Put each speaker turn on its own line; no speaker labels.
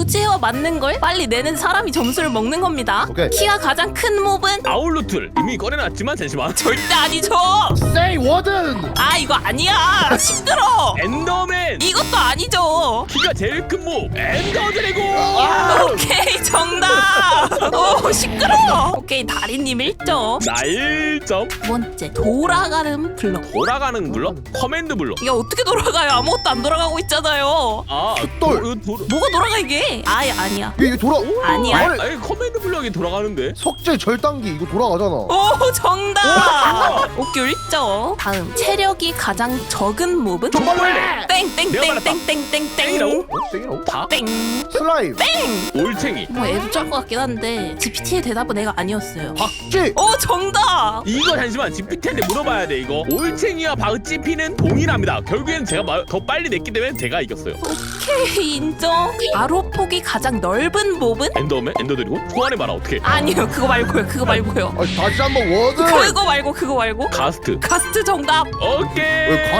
주제와 맞는 걸 빨리 내는 사람이 점수를 먹는 겁니다.
오케이.
키가 가장 큰 몹은
아울루툴 이미 꺼내놨지만 잠시만.
절대 아니죠.
세이 워든.
아 이거 아니야. 시끄러.
엔더맨.
이것도 아니죠.
키가 제일 큰 모 엔더 드래곤.
오케이 정답. 오 시끄러. 오케이 다리님 1점.
나 1점.
두 번째 돌아가는 블럭.
돌아가는 블럭? 커맨드 블럭.
이게 어떻게 돌아가요? 아무것도 안 돌아가고 있잖아요.
아,
돌.
뭐가 돌아가 이게? 아예 아니야.
이게 돌아.
아니야.
아니 커맨드 블럭이 돌아가는데?
석재 절단기 이거 돌아가잖아.
오 정답. 오케이 1점. 다음 체력이 가장 적은 몹은?
정말래.
내가 말했다.
땡땡땡땡땡땡땡.
땡이라고?
땡이라고?
다?
땡.
슬라임.
올챙이.
뭐 애도 짤 것 같긴 한데 GPT의 대답은 내가 아니었어요.
박쥐.
오 정답.
이거 잠시만 GPT한테 물어봐야 돼 이거. 올챙이와 박쥐피는 동일합니다. 결국엔 제가 더 빨리 냈기 때문에 제가 이겼어요.
오케이 인정. 가로폭이 가장 넓은 몹은?
엔더맨? 엔더 드래곤? 소환해 봐라 어떻게?
아니요 그거 말고요.
다시 한번 워든.
그거 말고
가스트.
가스트 정답.
오케이.
왜